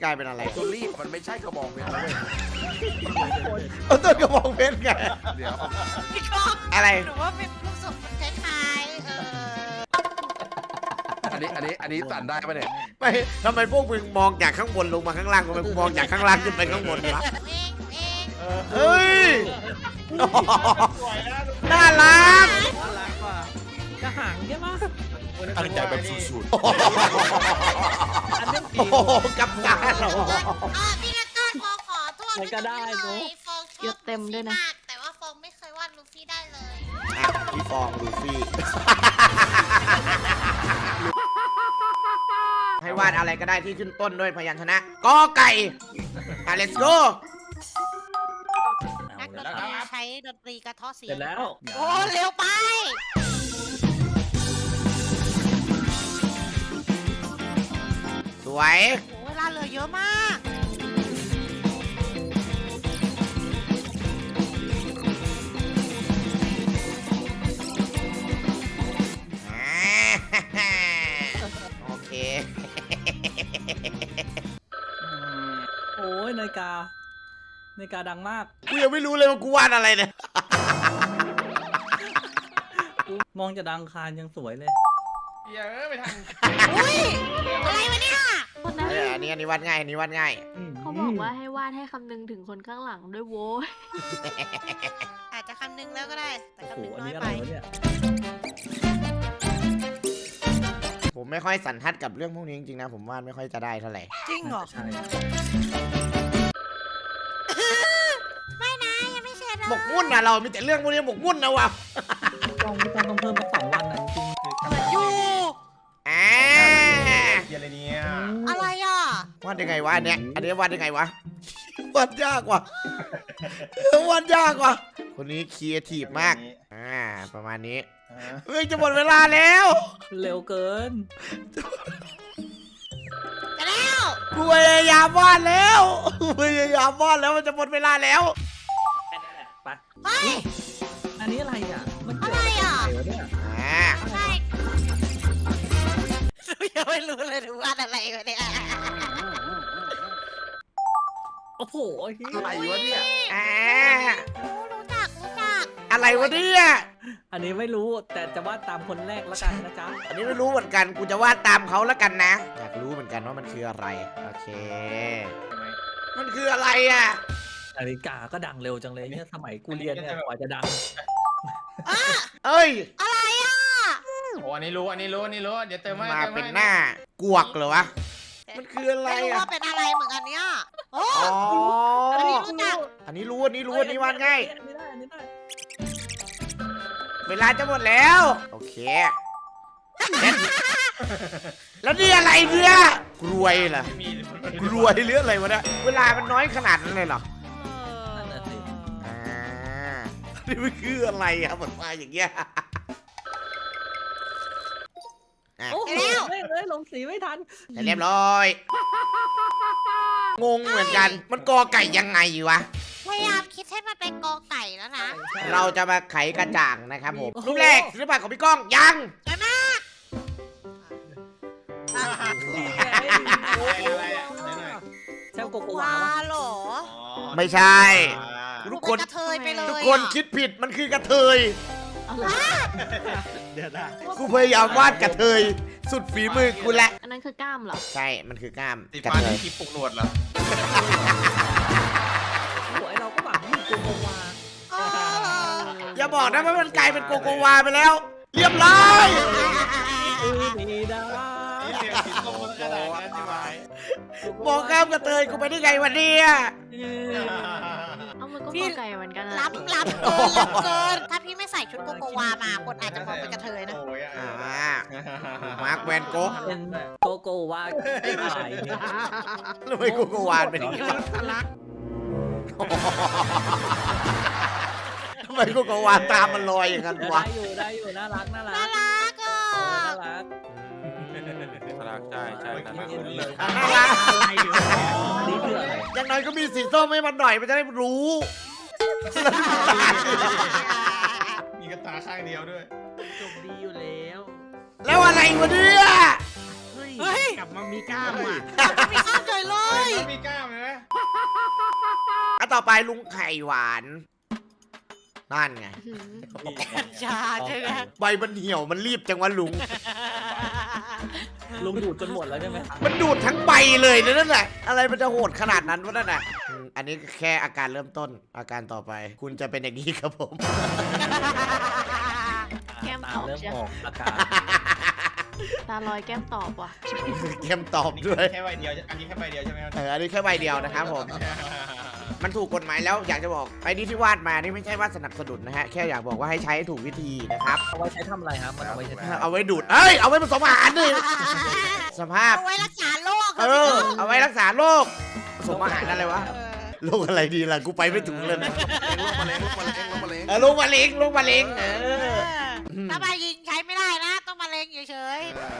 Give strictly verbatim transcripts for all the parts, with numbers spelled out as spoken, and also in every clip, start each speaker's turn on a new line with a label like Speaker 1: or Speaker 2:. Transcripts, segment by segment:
Speaker 1: กลายเป็นอะไร
Speaker 2: ตัวรีบมันไม่ใช่กระบอกเพชรเลย
Speaker 1: เอาต้นกระบองเพชรไง
Speaker 2: เดี๋ยว
Speaker 3: พี่ก้อง
Speaker 1: อะไร
Speaker 3: หนูว่าเป็นลูกศรมันคล้ายๆเออ
Speaker 2: อันนี้อันนี้อันนี้สั่นได้ปะเนี่ย
Speaker 1: ไม่ทำไมพวกมึงมองจากข้างบนลงมาข้างล่างทำไมกูมองจากข้างล่างขึ้นไปข้างบนวะ
Speaker 3: หนูเองหนูเอง
Speaker 1: เฮ้ย
Speaker 4: สวยนะ
Speaker 1: น่ารัก
Speaker 5: น่ารักกว่าจะหางใช่ไหม
Speaker 2: ตั้งใจแบบสุด
Speaker 5: อันนี้
Speaker 1: โอ้
Speaker 5: ผี
Speaker 1: โหกับการ
Speaker 3: อ่ะพี่ละก้อนฟองขอโทษ
Speaker 5: มันก็ได้เนอะ
Speaker 3: ฟองชอบ
Speaker 6: เยอะเต็มด้วยนะ
Speaker 3: ลูฟี่ากแต่ว่าฟองไม่เคยวาดลูฟี่ได้เลย
Speaker 1: อ่ะพี่ฟองลูฟี่ ให้วาดอะไรก็ได้ที่ขึ้นต้นด้วยพยัญชนะกอไก่อ่ะ let's go
Speaker 3: นักดนตรีใช้ดนตรีกระเทาะเสีย
Speaker 5: เสร็
Speaker 3: ง
Speaker 5: จแล้ว
Speaker 3: โอ้เร็วไป
Speaker 1: สวย
Speaker 3: โอ้เวลาเหลือเยอะมาก
Speaker 1: อ่าโอเค
Speaker 5: โอ้ยนาฬิกานาฬิกาดังมาก
Speaker 1: กูยังไม่รู้เลยว่ากูวาดอะไรเนี่ย
Speaker 5: มองจะดังคารยังสวยเลย
Speaker 4: เยอะไปทาง
Speaker 3: อุ้ยอะไรวะเนี่ย
Speaker 6: คนนั้น
Speaker 1: เอออันนี้อันนี้วาดง่ายอันนี้วาดง่าย
Speaker 6: เขาบอกว่าให้วาดให้คำนึงถึงคนข้างหลังด้วยโว้ย
Speaker 3: อาจจะคำนึงแล้วก็ได้ แต่
Speaker 5: โอ้โห
Speaker 3: คำนึง
Speaker 5: อัน
Speaker 3: น้อย
Speaker 5: นี้อะ
Speaker 3: ไป
Speaker 5: ไรวะเนี่ย
Speaker 1: ผมไม่ค่อยสันทัดกับเรื่องพวกนี้จริงๆนะ ผมวาดไม่ค่อยจะได้เท่าไหร่
Speaker 3: จริงเหรอ
Speaker 5: ใช่
Speaker 3: ไม่นะยังไม่เสร็จ
Speaker 1: หมกมุ่นนะเรามีแต่เรื่องพวกนี้หมกมุ่นนะวะ
Speaker 5: ต้องต้องต้องเพิ่มมาสองวันนะจริง
Speaker 3: เหมือนอยู่
Speaker 1: อ่า
Speaker 4: เยอะไรเนี่ย
Speaker 5: ๆ
Speaker 3: อะไรอ่ะ
Speaker 1: วาดยังไงวะอันเนี้ยอันนี้วาดยังไงวะ วาดยากว่ะวาดยากว่ะคนนี้ครีเอทีฟมากอ่าประมาณนี้เฮ้ยจะหมดเวลาแล้ว
Speaker 5: เร็วเกิน
Speaker 3: จะแล้ว
Speaker 1: กูพยายามวาดแล้วกูพยายามวาดแล้วมันจะหมดเวลาแล้ว
Speaker 5: แค่นั้นแหละไป
Speaker 3: เฮ้ย
Speaker 5: อันนี้อะไรอ่ะ มันเกี่ยว
Speaker 3: อะไรอ่ะ
Speaker 5: กับอะไรวะเนี่ย
Speaker 1: อ่า
Speaker 3: ใช่หนูยังไม่รู้เลยหนูวาดอะไรวะเนี่ย
Speaker 5: โอ้โหเหี้ย
Speaker 2: อะไรวะเนี่ย
Speaker 1: อ่า
Speaker 3: รู้รู้จักรู้จัก
Speaker 1: อะไรวะเนี่ย
Speaker 5: อันนี้ไม่รู้แต่จะวาดตามคนแรกแล้วกันนะจ๊ะ
Speaker 1: อันนี้ไม่รู้เหมือนกันกูจะวาดตามเขาแล้วกันนะ อยากรู้เหมือนกันว่ามันคืออะไรโอเค มันคืออะไรอ่ะ
Speaker 5: นาฬิกาก็ดังเร็วจังเลยเนี่ยสมัยกูเรียนเนี่ยกว่าจะดัง
Speaker 1: เอ้ย
Speaker 3: อะไรอ่ะ
Speaker 4: โอ้อันนี้รู้อันนี้รู้อันนี้รู้เดี๋ยวเติมให้
Speaker 1: มา
Speaker 4: ติมให้
Speaker 1: เป็นหน้ากวกเหรอวะ มันคืออะไร
Speaker 3: ไม่รู้
Speaker 1: อ่ะ
Speaker 3: ว่าเป็นอะไรเหมือนกันเนี่ยโอ้
Speaker 1: อ๋อ
Speaker 3: อันนี้รู้จัก
Speaker 1: อันนี้รู้อันนี้รู้อันนี้วาดง่าย
Speaker 5: อันนี้ได้อันนี้ได้
Speaker 1: เวลาจะหมดแล้ว โอเค แล้วนี่อะไรเนี่ยกรวยเหรอ
Speaker 4: มี
Speaker 1: กรวยหรืออะไรวะเนี่ยเวลามันน้อยขนาดนั้นเลยเหรอ
Speaker 5: นั่นน่ะสิ
Speaker 1: อ่านี่มันคืออะไรอ่ะหมดมาอย่างเงี้ยอ่ะ
Speaker 5: โอ้โหเฮ้ยเฮ้ยลงสีไม่ทัน
Speaker 1: แต่เรียบร้อย งงเหมือนกัน มันกอไก่ยังไงวะ
Speaker 3: พยายามคิดให้มันเป็นกอไก่แล้วนะ
Speaker 1: เราจะมาไขกระจ่างนะครับผม รูปแรกศิลปะของพี่ก้องยัง
Speaker 3: ใช่ไหม
Speaker 5: นี่ไง
Speaker 4: อะไรอ่ะไหนหน่อย
Speaker 5: แซวโกโกวา
Speaker 3: ว้าว
Speaker 5: ะ
Speaker 3: เหรอ
Speaker 1: ไม่ใช่ ทุกคน
Speaker 3: เป็นกระเทยไปเลย
Speaker 1: ทุกคน
Speaker 3: อะ
Speaker 1: คิดผิดมันคือกระเทย
Speaker 6: เอาละ
Speaker 5: เดี๋ยวนะ
Speaker 1: กูพยายามวาดกระเทย สุดฝีมือกูแหละ
Speaker 6: อันนั้นคือกล้ามเหรอ
Speaker 1: ใช่ มันคือกล้าม
Speaker 4: สี
Speaker 1: กระ
Speaker 4: ฟ้า
Speaker 1: เท
Speaker 4: นี่
Speaker 1: ย
Speaker 4: ที่ปลุกหนวดเหรอ
Speaker 5: โอ้ยเราก็หวังว่าโกโกวา
Speaker 3: เออ
Speaker 1: อย่าบอกนะว่ามันกลายเป็นโกโกวาไปแล้ว เรียบร้อย
Speaker 5: อือดีดา
Speaker 4: นี่เสียงสีส้มมันกระดาษนั้นใช่ไหม
Speaker 1: มองข้ามกระเทยกูไปได้ไงวันนี้
Speaker 6: เอามันก็กอไก่เหมือนกันอะ
Speaker 3: ล้ำล้ำเกินล้ำเกิน ถ้าพี่ไม่ใส่ชุดโกโกวามาคนอาจจะมองเป็นกระเทยนะ
Speaker 4: โอ้ย
Speaker 1: อ่า
Speaker 4: อ่ะ
Speaker 1: มาร์คแวนโก๊ะ
Speaker 5: เป็นโกโกวาไม่ตายเนี่ย
Speaker 1: ทำไมโกโกวาเป็นอย่างนี้วะทำไมโกโกวาตามมันลอยอย่างนั้น
Speaker 5: ได้
Speaker 1: วะ
Speaker 5: อยู่ได้อยู่น่ารักน่ารั
Speaker 3: น่าก รักอ่ะ
Speaker 5: เออน่ารัก
Speaker 2: รักใช่ใช่นั่นแหละ
Speaker 1: น่ารัก
Speaker 5: นี่คืออะไร
Speaker 1: อย่างน้อยก็มีสีส้มให้มันหน่อยมันจะได้รู้
Speaker 4: มีกระตาข้างเดียวด้วย
Speaker 7: จบดีอยู่แล้ว
Speaker 1: แล้วอะไรวะเนี่ย
Speaker 7: เฮ้ย
Speaker 3: เฮ้ย
Speaker 7: กลับมามีกล้ามอ่ะ
Speaker 3: มีข้ามใจเลย
Speaker 1: นต่อไปลุงไข่หวานนั่นไง
Speaker 3: กัญชาใช่ไหม
Speaker 1: ใบมันเหี่ยวมันรีบจังวะลุง
Speaker 5: ลุงดูดจนหมดแล้วใช่ไหม
Speaker 1: มันดูดทั้งใบเลยนะนั่นแหละอะไรมันจะโหดขนาดนั้นวะนั่นน่ะอืมอันนี้แค่อาการเริ่มต้นอาการต่อไป คุณจะเป็นอย่างนี้ครับผม
Speaker 6: แก้ม
Speaker 5: ตา
Speaker 6: ตอบ
Speaker 5: เริ่ม
Speaker 6: ใช่
Speaker 5: ออกอาการ
Speaker 6: ตาลอยแก้มตอบว่ะ
Speaker 1: เกมตอบด้วย
Speaker 4: แค่ใบเดียวอันนี้แค่ใบเดียวใช่ไหมครับ
Speaker 1: เอออันนี้แค่ใบเดียวนะครับผม มันถูกกฎหมายแล้วอยากจะบอกไอ้นี่ที่วาดมานี่ไม่ใช่ว่าสนับสนุนนะฮะแค่อยากบอกว่าให้ใช้ให้ถูกวิธีนะครับ
Speaker 5: เอาไว้ใช้ทำอะไรครับมันเอาไว้ใช้ทำอะไร
Speaker 1: เอาไว้ดูดเอ้ยเอาไว้ผสมอาหารดิสภาพ
Speaker 3: เอาไว้รักษาโรค
Speaker 1: เออเอาไว้รักษาโรคผสมอาหารอะไรวะโรคอะไรดีล่ะกูไปไม่ถูกเลยนะ
Speaker 2: โรคมะเร็งโรคมะเร็งโรคมะเร็ง
Speaker 1: เออโรคมะเร็งโรคมะเร็งเออ
Speaker 3: ถ้ามายิงใช้ไม่ได้นะ ต้องมาเลงเฉย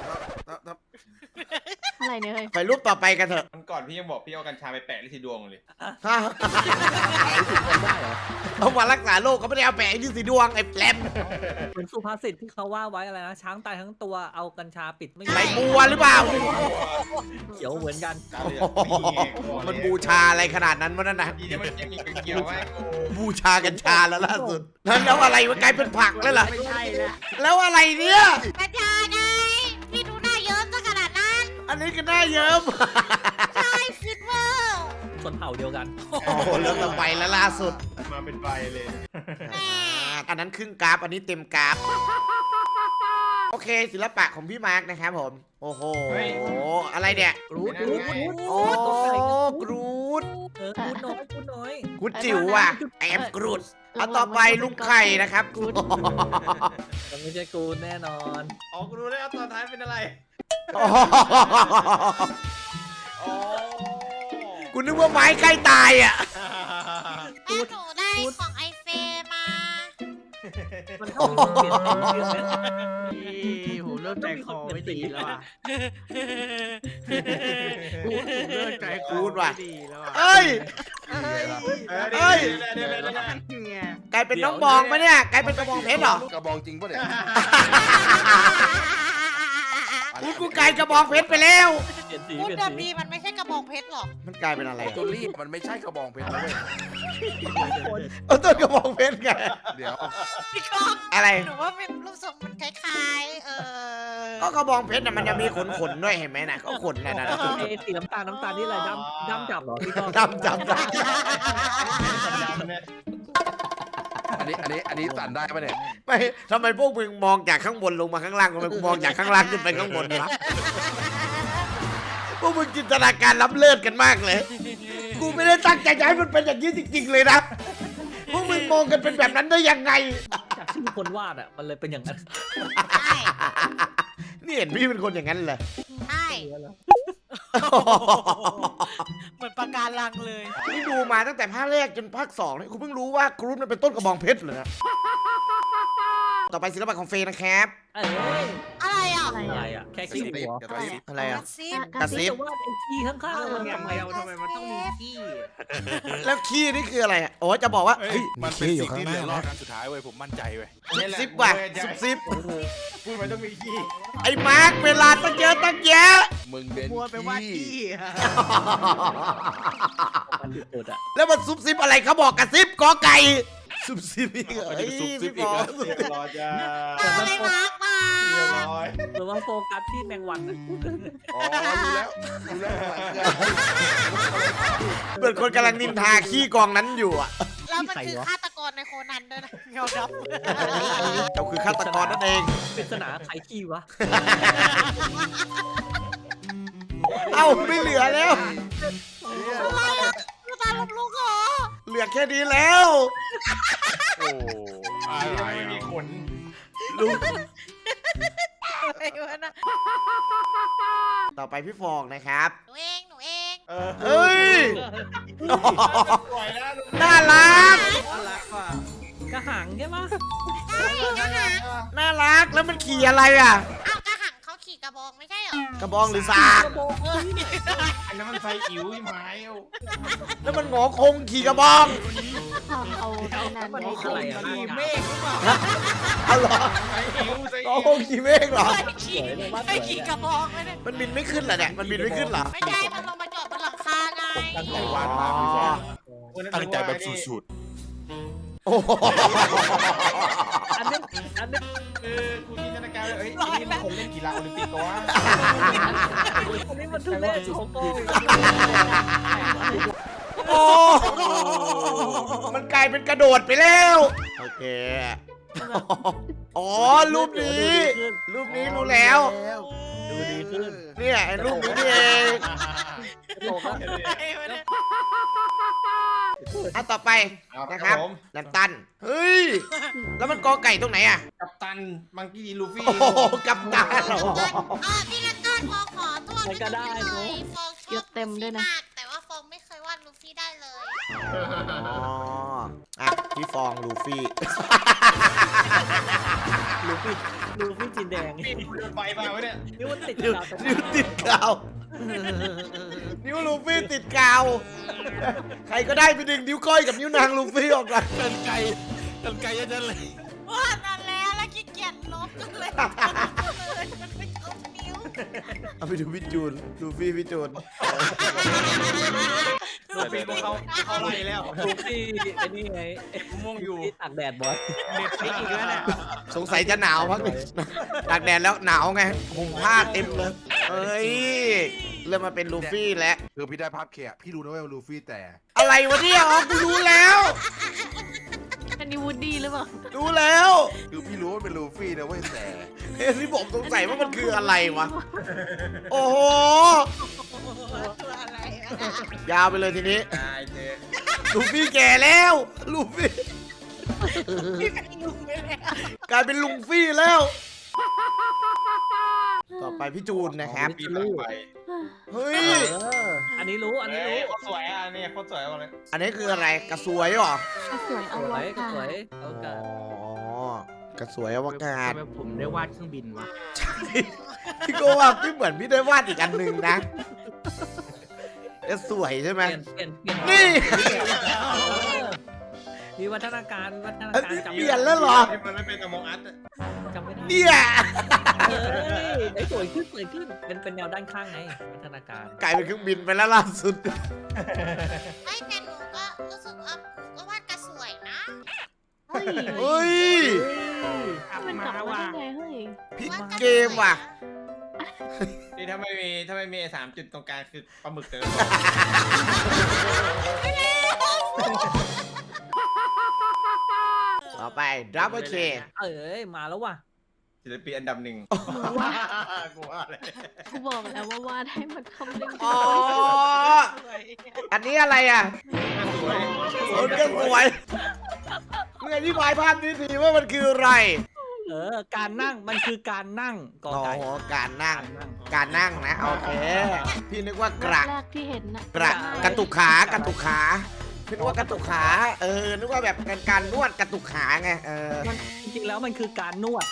Speaker 6: อะไรเนี่ยเฮ้ย
Speaker 1: ไปรูปต่อไปกันเถอะ
Speaker 4: มันก่อนพี่ยังบอกพี่เอากัญชาไปแปะที่สีดวงเลย
Speaker 1: ฮะ
Speaker 5: ได้เหรอ
Speaker 1: เอามารักษาโรคเขาไม่ได้เอาแปะไอ้ที่สีดวงไอ้แปลม
Speaker 5: เหมือนสุภาษิตที่เขาว่าไว้อะไรนะช้างตายทั้งตัวเอากัญชาปิดไม่
Speaker 1: ใบบัวหรือเปล่า
Speaker 5: เขียวเหมือนกัน
Speaker 1: มันบูชาอะไรขนาดนั้นวะนั่นนะ
Speaker 4: ทีนี้มันยังมีเกี่ยวไว้
Speaker 1: บูชากัญชาแล้วล่าสุดนั้นแล้วอะไรมันกลายเป็นผักแล้วล่ะ
Speaker 6: ไม่ใช่นะ
Speaker 1: แล้วอะไรเนี่ย
Speaker 3: ๆกัญชาไงพี่ดูหน้าเยิ้มซะขนาดนั้น
Speaker 1: อันนี้ก็น่าเยิ้ม
Speaker 3: ใช่ฟิตเวอร์
Speaker 5: ชนเผ่าเดียวกัน
Speaker 1: โอ้โหเรื่องต่อไปแล้วล่าสุด
Speaker 4: มาเป็นใบเลย
Speaker 1: อ่าอันนั้นครึ่งกราฟอันนี้เต็มกราฟโอเคศิลปะของพี่มาร์กนะครับผม โอ้โหอะไรเนี่ย
Speaker 5: กรูดกรูดกรูด
Speaker 1: โอ้กรูด
Speaker 5: เออกรูดน้อยกรูดน้อย
Speaker 1: กูจิ๋วว่ะแอมกรูดเอาต่อไปลุงไข่นะครับ
Speaker 5: มันไม่ใช่กรูดแน่นอน
Speaker 4: อ๋อกูรู้แล้วตอนท้ายเป็นอะไร
Speaker 1: อ๋อกูนึกว่าไม้ใกล้ตายอ่ะ
Speaker 3: แม่หนูได้ของไอเฟมา
Speaker 5: มันเข้าไปเปลี่ยนเป็นชื่อไหม
Speaker 7: ผมเริ่มใจคอไม่ดีแล้วอ่ะผมเริ่มใจคอไม่ดีแล้วอ่ะ
Speaker 1: เอ้ย เฮ้ย
Speaker 7: เนี่ย
Speaker 1: กลายเป็นน้องบองปะเนี่ยกลายเป็นกระบองเพชรเหรอก
Speaker 2: ระบองจริงปะเนี่ย
Speaker 1: กูกูกลายกระบองเพชรไปแล้ว
Speaker 5: เปลี่ยนสี
Speaker 3: พูด
Speaker 5: เปลี่ยน
Speaker 3: เดิม
Speaker 5: สี
Speaker 3: ดีมันไม่ใช่กระบองเพชรหรอก
Speaker 1: มันกลายเป็นอะไร
Speaker 2: ตัวรีบมันไม่ใช่กระบองเพชรนะเลย
Speaker 1: เออต้นกระบองเพชรไง
Speaker 2: เดี๋ยว
Speaker 3: พี่ก้อง
Speaker 1: อะไร
Speaker 3: หนูว่าเป็นรูปทรงมันคล้ายๆ เออ
Speaker 1: ก็กระบองเพชรน่ะมันจะมีขนขนๆด้วยเห็นไหมนะก็ขนน่ะนะ
Speaker 5: เอสีน้ำตาลน้ำตาลนี่อะไรดำดำจับเหรอพี่ก้อง
Speaker 1: ดำจำได้
Speaker 2: อันนี้อันนี้อันนี้สั่นได้ปะเนี่ย
Speaker 1: ไม่ทำไมพวกมึงมองจากข้างบนลงมาข้างล่างทำไมกูมองจากข้างล่างขึ้นไปข้างบนวะพวกมึงจินตนาการล้ำเลิศกันมากเลย กูไม่ได้ตั้งใจจะให้มันเป็นอย่างนี้จริงๆเลยนะพวกมึงมองกันเป็นแบบนั้นได้ยังไง
Speaker 5: จากชื่อคนวาดอ่ะมันเลยเป็นอย่างนั้น
Speaker 3: ใช่
Speaker 1: นี่เห็นพี่เป็นคนอย่างนั้นเลย
Speaker 3: ใช่เหมือนปากการังเลย
Speaker 1: นี่ดูมาตั้งแต่ภาคแรกจนภาคสองเลยกูเพิ่งรู้ว่ากรูดมันเป็นต้นกระบองเพชรเลยนะต่อไปศิลปะของเฟย์นะครับ
Speaker 5: เอ้ย
Speaker 3: อะไรอ่ะ
Speaker 6: อะไร
Speaker 5: อะไร
Speaker 6: อ่ะ
Speaker 5: อ่ะแค่ขี้หัว
Speaker 2: กระซิบ
Speaker 1: อะไรอ่ะ
Speaker 3: ซิบ
Speaker 1: กระซิบ
Speaker 5: แต่ว่าไอ้ขี้ข้างๆมัน
Speaker 7: อย่าง
Speaker 5: ทำไม
Speaker 7: เดียวทำไมมันต้องมีขี้
Speaker 1: แล้วขี้นี่คืออะไรอ่ะโอ้จะบอกว่าเฮ้ย
Speaker 8: มันเป็น
Speaker 1: ขี้อ
Speaker 8: สิ่
Speaker 1: ยู่
Speaker 8: ง
Speaker 1: ข้าง
Speaker 8: ที่
Speaker 1: ห
Speaker 8: เหลื
Speaker 1: น้า
Speaker 8: อรอด
Speaker 1: นะ
Speaker 8: ครั้งสุดท้ายเว้ยผมมั่นใจเว้ย
Speaker 1: ซุบซิบว่ะซุบซิบ
Speaker 4: พูดมันต้องมีขี้
Speaker 1: ไอ้มาร์คเวลาตั้งเยอะตั้งแยะ
Speaker 2: มึงเป็น
Speaker 7: บัวไปว่า
Speaker 2: ขี้
Speaker 7: ขี้
Speaker 5: มันสุดๆอ่ะ
Speaker 1: แล้วมันซุบซิบอะไรเขาบอกกระซิบกอไก่ซุบซิบอีกเหรอเฮ้ยพี่บอล
Speaker 4: เรียบร้อยจ้า
Speaker 3: อะไรมาร์กมา
Speaker 4: เรียบร้อย
Speaker 5: หรือว่าโฟกัสที่แมงวันอะ
Speaker 2: อ๋อรู้แล้วรู้แล้วข้างหลังคืออะไร
Speaker 1: เหมือนคนกำลังนินทาขี้กองนั้นอยู่อ่ะ
Speaker 3: แล้วมันคือฆาตกรในโคนันด้วยนะเงาด
Speaker 1: เราคือฆาตกรนั่นเอง
Speaker 5: ปริศนาใครขี้วะ
Speaker 1: เอ้าไม่เหลือแล้ว
Speaker 3: ำอะไรอ่ะคือตาลมลุกเหรอ
Speaker 1: เหลือแค่นี้แล้ว
Speaker 2: โอ้
Speaker 4: อะไรไม่มีขน
Speaker 1: ลุง
Speaker 3: อะไรวะนะ
Speaker 1: ต่อไปพี่ฟองนะครับ
Speaker 3: หนูเองหนูเอง
Speaker 4: เออ
Speaker 1: เอ้ย
Speaker 4: ปล่อยแล้ว
Speaker 1: น่ารัก
Speaker 7: น่ารักว่ะ
Speaker 5: กระหังใช่ปะ
Speaker 3: ใช่กระหัง
Speaker 1: น่ารักแล้วมันขี่อะไรอ่ะ
Speaker 3: อ้าวกระหังเขาขี่กระบองไม่ใช่เหรอก
Speaker 1: ระบองหรือสาก
Speaker 5: กระบอกเอ้ย
Speaker 4: อันนั้นมันใส่อิ๋วที่ไม้เอา
Speaker 1: แล้วมันหงอคงขี่กระบอง
Speaker 6: ทำเอาไอ้นั่น
Speaker 5: มัน
Speaker 6: ไว้
Speaker 5: มีอะไรอ่ะ
Speaker 7: มีเมฆหรือเปล่า
Speaker 1: เอาเหรอ
Speaker 4: ใส่อิ๋วใส่
Speaker 1: หงอ
Speaker 4: อิ๋ว
Speaker 1: คงขี่เมฆเหรอ
Speaker 3: ไม่ขี่ไม่ขี่กระบองไม่ได้
Speaker 1: มันบินไม่ขึ้นเหรอเนี่ยมันบินไม่ขึ้นเหรอ
Speaker 3: ไม่ใช่มันลงมาจอดบนหลังคาไง
Speaker 2: ตั้งใจวาดมากพี่ฟอง
Speaker 8: ตั้งใจแบบสุด
Speaker 1: โอ้โห
Speaker 5: อันนี้อันนี้
Speaker 4: คือกูจินตนาการเลยเอ้ยนี่มันคนเล่นกีฬาโอลิมปิกก็ว่า
Speaker 5: อันนี้มันทุเรศโชโก้
Speaker 1: โอ้มันกลายเป็นกระโดดไปแล้วโอเคอ๋อรูปนี้รูปนี้รู้แล้ว
Speaker 5: ดูดีขึ้น
Speaker 1: เนี่ยไอ้รูปนี้นี่เอง
Speaker 5: โลกแล้ว
Speaker 1: อ่ะต่อไป
Speaker 4: เอา
Speaker 1: นะ
Speaker 4: ค
Speaker 1: ค
Speaker 4: รั
Speaker 1: รั
Speaker 4: บบ ผม
Speaker 1: นันตันเฮ้ยแล้วมันกอไก่ตรงไหนอะ
Speaker 4: กัปตันมังกี้ลูฟี่
Speaker 1: โอ้โหกับตาเหรอ
Speaker 3: อ่าพี่นัทต้นฟองขอโทษ
Speaker 5: ใครก็ได้
Speaker 3: เล
Speaker 5: เนอะ
Speaker 3: ยฟองช
Speaker 6: เย
Speaker 3: อบ
Speaker 6: อะเต็มด้วยนะ
Speaker 3: มากแต่ว่าฟองไม่เคยวาดลูฟี่ได้เลย
Speaker 1: อ๋ออ่ะพี่ฟองลูฟี่
Speaker 5: ลูฟี่ลูฟี่จีนแดง
Speaker 4: พี่เดินไปมาวะเนี่ย
Speaker 5: นิ้วมันติด
Speaker 1: นิ้ว
Speaker 5: กาวตรง
Speaker 1: นิ้วติดกาวนิ้วลูฟี่ติดกาว ใครก็ได้ไปดึงนิ้วก้อยกับนิ้วนางลูฟี่ออกก่อน
Speaker 8: ๆกันไกลกันไกลจะเลย
Speaker 3: วาดนั่นแล้วแล้วขี้เกียจลบกันเลยเลยมันไม่เอานิ้ว
Speaker 1: เอาไปดูพี่จูนลูฟี่พี่จูน
Speaker 4: ลูฟี่พวกเขาเขาไล่แล้ว
Speaker 5: ลูฟี่ไอ้นี่ไง
Speaker 4: ม่วงอยู่
Speaker 5: ที่ตากแดดบ่อย
Speaker 7: เน็ตฟิกอีกแล้วเนี่ย
Speaker 1: สงสัยจะหนาวพักหนึ่งตากแดดแล้วหนาวไงห่มผ้าเต็มเลยเอ้ยเริ่มมาเป็นลูฟี่แล้ว
Speaker 8: คือพี่ได้ภาพแค่พี่รู้นะว่าลูฟี่แต่
Speaker 1: อะไรวะเนี่ยอ๋อกูรู้แล้ว
Speaker 6: อันนี้วูดดี้หรือเปล่า
Speaker 1: รู้แล้ว
Speaker 8: คือพี่รู้ว่าเป็นลูฟี่นะเว้ยแต่
Speaker 1: เฮ้ยที่ผมสงสัยว่ามันคืออะไรวะ โอ้โห
Speaker 3: ตัวอะไรวะ
Speaker 1: ยาวไปเลยทีนี้
Speaker 4: ตายเจ๊
Speaker 1: ลูฟี่แก่แล้ว ลูฟี่
Speaker 3: พี่เป็นลุงเลยเนี่ย
Speaker 1: กลายเป็นลุงฟี่แล้ว ต่อไปพี่จูนนะครับ
Speaker 4: ปีต่อไป
Speaker 1: เฮ้ย
Speaker 5: เอออันนี้รู้อันนี้
Speaker 4: เอ้
Speaker 5: รู้
Speaker 4: ยเขาสวยอ่ะเนี่ยเขาสวยมาเลย
Speaker 1: อันนี้คืออะไรกระสวยเหรอ
Speaker 6: ก็สวย
Speaker 5: ส
Speaker 6: เอา
Speaker 5: ว
Speaker 6: ไว้
Speaker 5: ยก็
Speaker 6: ค่ะ
Speaker 5: สวยเอา
Speaker 1: อ๋
Speaker 5: กาศ
Speaker 1: อกระสวยอวกาศ
Speaker 7: ทำไมผมได้วาดเครื่องบินวะ
Speaker 1: พี่ก็ว่าพี่เหมือนพี่ได้วาดอีกอันหนึ่งนะกระสวยใช่ไหม
Speaker 5: เปลี่ยนเปลี่ยนเปลี่ยน
Speaker 1: นี่
Speaker 5: มีวัฒนาการวัฒนา
Speaker 1: อัน
Speaker 5: การ
Speaker 1: นี้
Speaker 5: จำ
Speaker 1: เปลี่ยนแล้วเหรอ
Speaker 4: ที่มันไม่เป็นอมองอัด
Speaker 5: จำไม่ได้
Speaker 1: เนี่ย
Speaker 5: เอ้ยไอ้สวยขึ้นสวยขึ้นเป็นเป็นแนวด้านข้างไงวัฒนาการ
Speaker 1: กลายเป็นเครื่องบินไปแล้วล่าสุด
Speaker 3: ไอ้แต่หนูก็รู้สึกว่าหนูก็วาดกระสวยนะ
Speaker 6: เฮ้ย
Speaker 1: เฮ้ย
Speaker 7: อัพ
Speaker 6: มันกลั
Speaker 7: มา
Speaker 6: บมา
Speaker 7: ว่ะ
Speaker 6: ได้ไงเฮ้ย
Speaker 1: พลิก
Speaker 3: วาดระสวย
Speaker 1: เกมว่ะ
Speaker 4: นี่ถ้าไม่มีถ้าไม่มีสามจุดตรงกลางคือปลาหมึกเติม
Speaker 1: ต่อไปดับเบิลเค
Speaker 5: เอ้ยมาแล้วว่ะ
Speaker 4: ศิลปินอันดับหนึ่งกูว่าเลย
Speaker 6: กูบอกแล้วว่าวาดให้มันคำนึงถึ
Speaker 1: อ๋
Speaker 6: ง
Speaker 1: อ
Speaker 6: คน
Speaker 1: อันนี้อะไรอ่ะ
Speaker 4: สวย
Speaker 1: โอ้ยก็สวยเมื่อที่บายภาพนี้ทีว่ามันคืออะไร
Speaker 5: เออการนั่งมันคือการนั่งกอ
Speaker 1: อ๋อ
Speaker 5: ไก่
Speaker 1: การนั่ง
Speaker 5: การนั่ง
Speaker 1: การนั่งนะ โอเค พี่นึกว่ากระ
Speaker 6: แรกที่เห็นนะ
Speaker 1: กระกระตุกขากระตุกขาพี่นึกว่ากระตุกขา เออ นึกว่าแบบการการนวดกระตุกขาไง เออ
Speaker 5: มันจริงๆแล้วมันคือการนวด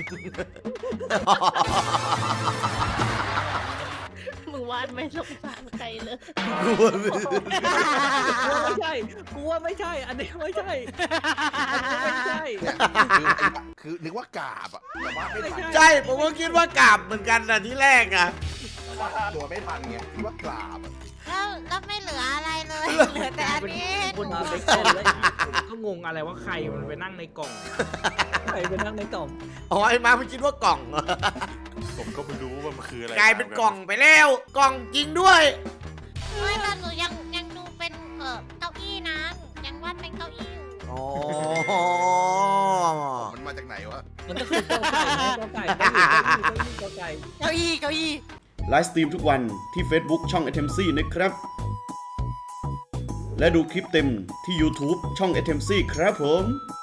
Speaker 6: มึงวาดไม่สงสารใครเลย
Speaker 1: กลัวไม่
Speaker 5: กูว่าไม่ใช่กูว่าไม่ใช่ อันนี้ไม่ใช่อันนี้ไม่ใช่
Speaker 8: คือนึกว่ากาบอ่ะแต่ว่าไม่ทัน
Speaker 1: ใช่ ผมก็คิดว่ากราบเหมือนกันนะที่แรกอ่ะ
Speaker 8: ตัวไม่ทันไงคิดว่ากราบอะ
Speaker 3: แล้วแล้วไม่เหลืออะไรเลย เหลือแต่อันนี้
Speaker 5: คุณเอาไปเต้นเลย
Speaker 7: ผมก็งงอะไรว่าใครมันไปนั่งในกล่อง
Speaker 5: ใครไปนั่งในกล่อง
Speaker 1: อ๋อ ไอ้มาไม่คิดว่ากล่อง
Speaker 8: ผมก็ไม่รู้ว่ามันคืออะไร
Speaker 1: กลายเป็นกล่องไปแล้ว กล่องจริงด้วย
Speaker 3: ไม่แต่หนูยังยังดูเป็นเออเก้าอี้นะยังวาดเป็นเก้าอี้อยู่
Speaker 1: อ๋อ
Speaker 8: มันมาจากไหนวะ
Speaker 5: มันก็คือกอไก่ไงกอไก่กอไก่กอไก่
Speaker 3: เก้าอี้เก้าอี้
Speaker 9: ไลฟ์สตรีมทุกวันที่ Facebook ช่อง เอ ที เอ็ม ซี นะครับ และดูคลิปเต็มที่ YouTube ช่อง เอ ที เอ็ม ซี ครับผม